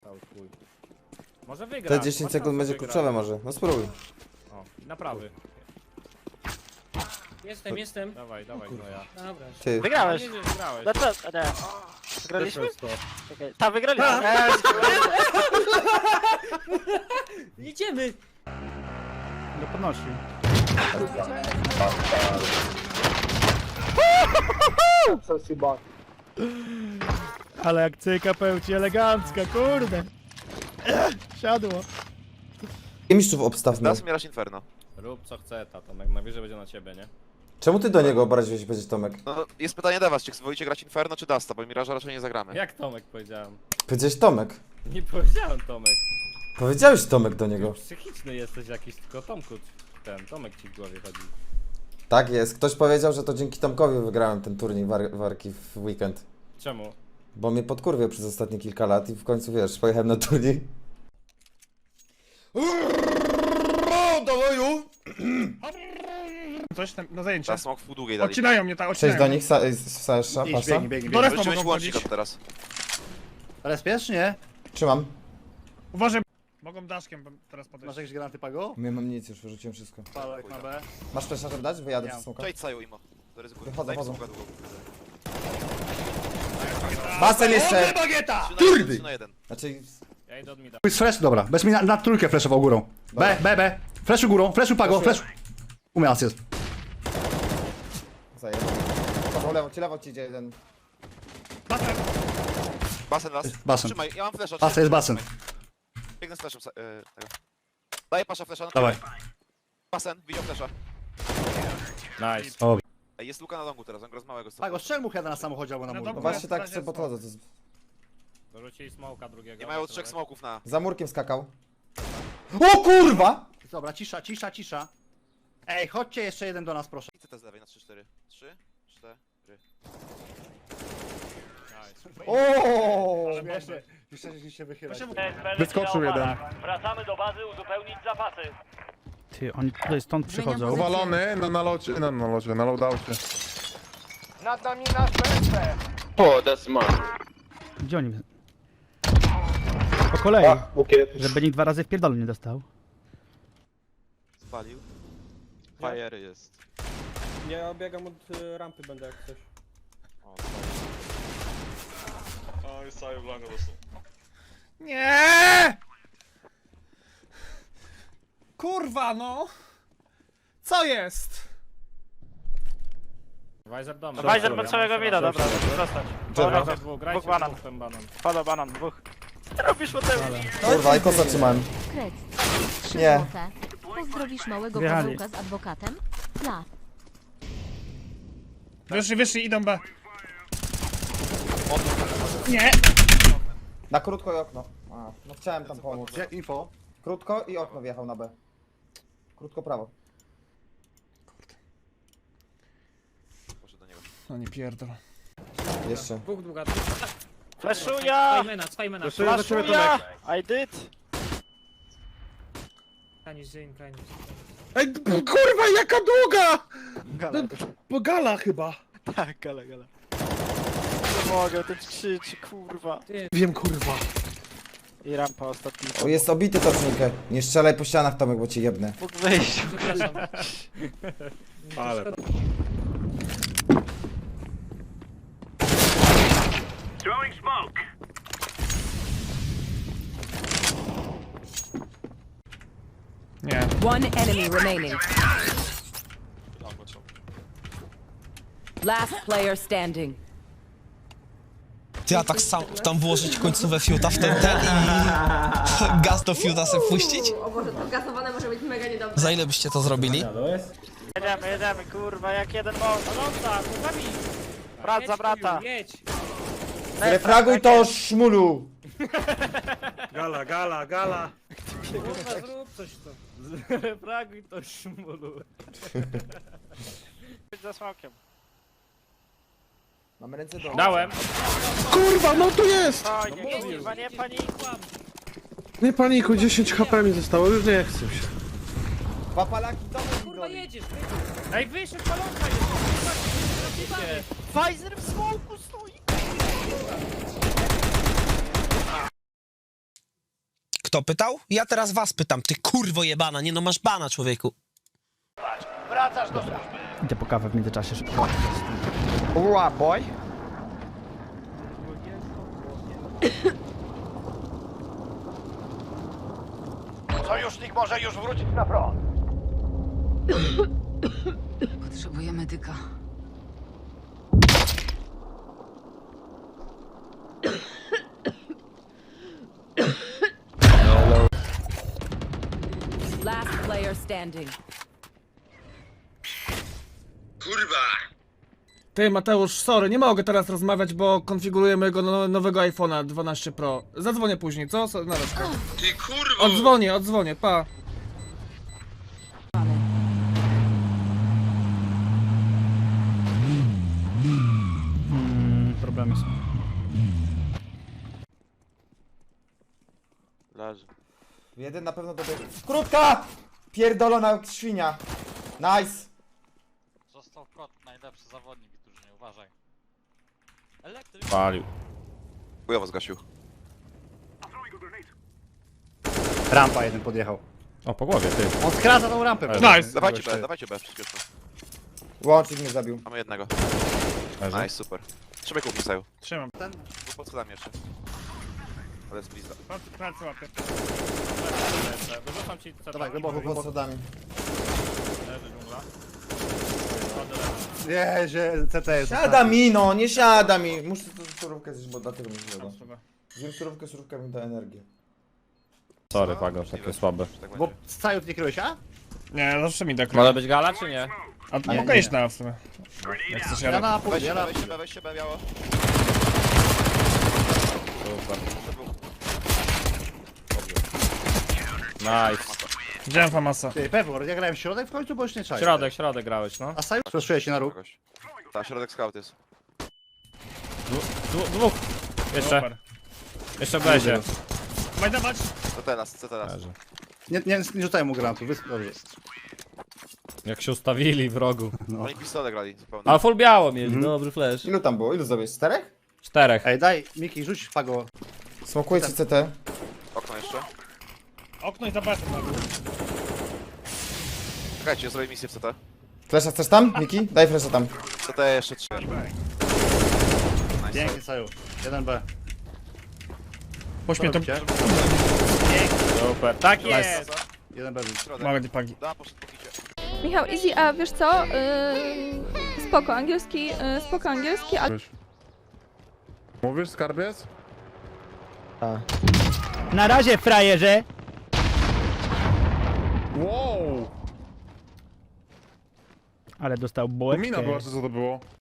cały chuj. Może wygra. Te 10 sekund będzie kluczowe może. No spróbuj. O, na prawy. Jestem. Dawaj, Gnoja. Dobra. Ty. Wygrałeś. Nie, wygrałeś. No co? Nie. Wygraliśmy? Czekaj. Ta, wygraliśmy. Jedziemy! No podnosi. Ale jak cyka pełci elegancka, kurde. Siadło. Mistrzów obstawmy. Das Miraż Inferno. Rób co chce, Tomek, najwyżej będzie na ciebie, nie? Czemu ty do niego obraziłeś powiedzieć Tomek? No, jest pytanie do was, czy wolicie grać Inferno czy Dasta, bo Miraża raczej nie zagramy. Jak Tomek powiedziałem? Powiedziałeś Tomek. Nie powiedziałem Tomek. Powiedziałeś Tomek do niego. Psychiczny jesteś jakiś, tylko Tomku, Tomek ci w głowie chodzi. Tak jest. Ktoś powiedział, że to dzięki Tomkowi wygrałem ten turniej warki w weekend. Czemu? Bo mnie podkurwiał przez ostatnie kilka lat i w końcu wiesz, pojechałem na turniej. Coś tam na zajęcie. Ta smok w pół długiej dali. Odcinają mnie, tak, Cześć odcinają. do nich, Sasza, pasa. Do respa Będziemy mogą mieć łącznik wchodzić. od teraz. Ale spiesz, nie? Trzymam. Uważaj. Mogą daszkiem teraz podejść. Masz jakieś granaty Pago? Nie mam nic, już wyrzuciłem wszystko. Palek na B. Masz flesza, żeby dać? Wyjadę Nie przez smoka. Cześć Saju Imo. Zaryzykuję. Wychodzą, Daj mi chodzą. smoka długą. Basen jeszcze! Bagieta! 3 na 1. Znaczy... Ja idę od mida. Jest flash, dobra. Bez mi na trójkę flashował górą. B, B, B. Flashu górą, flashu Pago, flash. U mnie jest. Zajebał. Lewo ci idzie jeden. Basen las. Basen. Trzymaj, ja mam flesza. Basen, jest basen. Biegnę z fleszem. Tego. Daję pasza flesza. No, Dawaj. Basen, widział flesza. Nice. Ej, jest luka na longu teraz, on gra z małego. Pago, strzel mu heada na samochodzie albo na No murku. No dobra. właśnie tak sobie podchodzę. To jest... Dorzucili smoka drugiego. Nie mają 3 smoków na... Za murkiem skakał. O kurwa! Dobra, cisza, cisza, cisza. Ej, chodźcie jeszcze jeden do nas, proszę. I CT z lewej na 3-4. 3, 4. O! Śmiesznie. Jeszcze się wychyla. Wyskoczył jeden. Wracamy do bazy uzupełnić zapasy. Ty, oni tutaj stąd przychodzą. Uwalony na nalocie, na loadoucie. Nad nami nasz BSP. Gdzie oni? Po kolei. Żeby nikt 2 razy w pierdolu nie dostał. Spalił. Fire jest. Ja biegam od rampy będę jak coś. Nie! Kurwa no! Co jest? Weiser dom. Weiser ma całego mida, dobra, zostać. Grajcie dwóch, Dwóch banan. ten banan. Pada banan, dwóch. Co robisz o tym? Kurwa, i kosa trzymałem. Kret. 3 Nie. złote. Pozdrowisz małego Wjechali. koziołka z adwokatem? Dla. Wyszli, idą B. Nie! Na krótko i okno. A, no chciałem tam pomóc. Jak info? Krótko i okno wjechał na B. Krótko prawo. Poszedł do niego. No nie pierdol. Jeszcze. Dwóch długa. Fleszuja! Swajmena. Fleszuja! I did! Kanis, Jane, Kanis. Ej, kurwa, jaka długa! Gala. Bo gala chyba. Tak, gala. Nie mogę, ten krzyczy, kurwa. Wiem, kurwa. I rampa ostatni. O, jest obity tocznikę. Nie strzelaj po ścianach, Tomek, bo cię jebnę. Mógł wyjść. Przepraszam. Ale. Nie. One enemy remaining. Last player standing. Ja tak sam tam włożyć końcówę fiuta w ten i gaz do fiuta sobie puścić? O Boże, to gasowane może być mega niedobre. Za ile byście to zrobili? Jedziemy, kurwa, jak jeden mąż. Alonza, no zabij! Brat Jedź, za brata. Kuju, jedź! Refraguj to, szmulu! Gala. Kurwa, zrób coś to. Fraguj to szmulu. Być za smokiem. Mamy ręce do... Dałem. Kurwa, no tu jest! Spokojnie, kurwa, nie panikuj. Nie panikuj, 10 HP mi zostało, już nie chcę się. Dwa palaki, Tomek mi Kurwa, goni. jedziesz! Ej, wyszedł palonka jest. Pfizer w smoku stoi. Kto pytał? Ja teraz was pytam, ty kurwo jebana, nie no masz bana, człowieku. Idę po kawę w międzyczasie szybko. Ura, boy. Sojusznik może już wrócić na front. Potrzebuję medyka. Last player standing. Ty Mateusz, sorry, nie mogę teraz rozmawiać, bo konfiguruję mojego nowego iPhone'a 12 Pro. Zadzwonię później, co? Na resztę. Ty kurwo! Odzwonię, pa. Problemy są. Leży. Jeden na pewno dobiegł. Krótka! Pierdolona świnia. Nice. Został prot, najlepszy zawodnik w drużynie, uważaj. Palił. Chujowo zgasił. Rampa jeden podjechał. O, po głowie, ty. On skraca tą rampę. Nice. Dawajcie B, przyspieszmy. Łącznik mnie zabił. Mamy jednego. Leży. Nice, super. Trzymaj kup Misaju. Trzymam. Był pod schodami jeszcze. Ale jest blizna. Palce łapię. Wyrzucam ci CT. Dawaj, głęboko, Pod głęboko. schodami. Leży dżungla. Nie, że CT jest. Siada mi, no, nie siada mi. Muszę tu surówkę zjeść, bo dlatego mi zjada. Zjem surówkę mi da energię. Sorry, Pago, takie słabe. Tak Bo będzie. z całych nie kryłeś, a? Nie, zawsze mi tak. Może być gala, czy nie? A Nie, mogę nie. iść na w sumie. Jak chcesz Ja ja na pół, Weźcie ja na... weźcie B, biało. Super. Nice. Widziałem Famasa. Ty, Pewor, ja grałem w środek w końcu, bo już nie czaję. Środek grałeś, no. A Saju sprzesuję się na róg. Kogoś. Ta, środek scout jest. Dwóch. Jeszcze. Super. Jeszcze będzie. Dawaj, dawać. Co teraz? Leży. Nie rzucaj mu granatu, dobrze. Jak się ustawili w rogu. Oni pistolet grali zupełnie. Ale full biało mieli, dobry flash. Ilu tam było? Ilu zrobiłeś? 4? 4. Ej, daj, Miki, rzuć Pago. Smokuję ci CT. Okno jeszcze. Okno i za basem. Czekajcie, zrobię misję w CT. Flesza chcesz tam, Miki? Daj flesza tam. CT jeszcze 3. Pięknie, Saju. 1B. Pośmiej to. Super. Tak jest. 1B. Środek. Małe dipagi. Da, poszedł po kicie. Michał, easy, a wiesz co? Spoko, angielski, ale... Mówisz, skarbiec? Na razie, frajerze! Wow! Ale dostał bułeczkę. Mina była, czy co to było?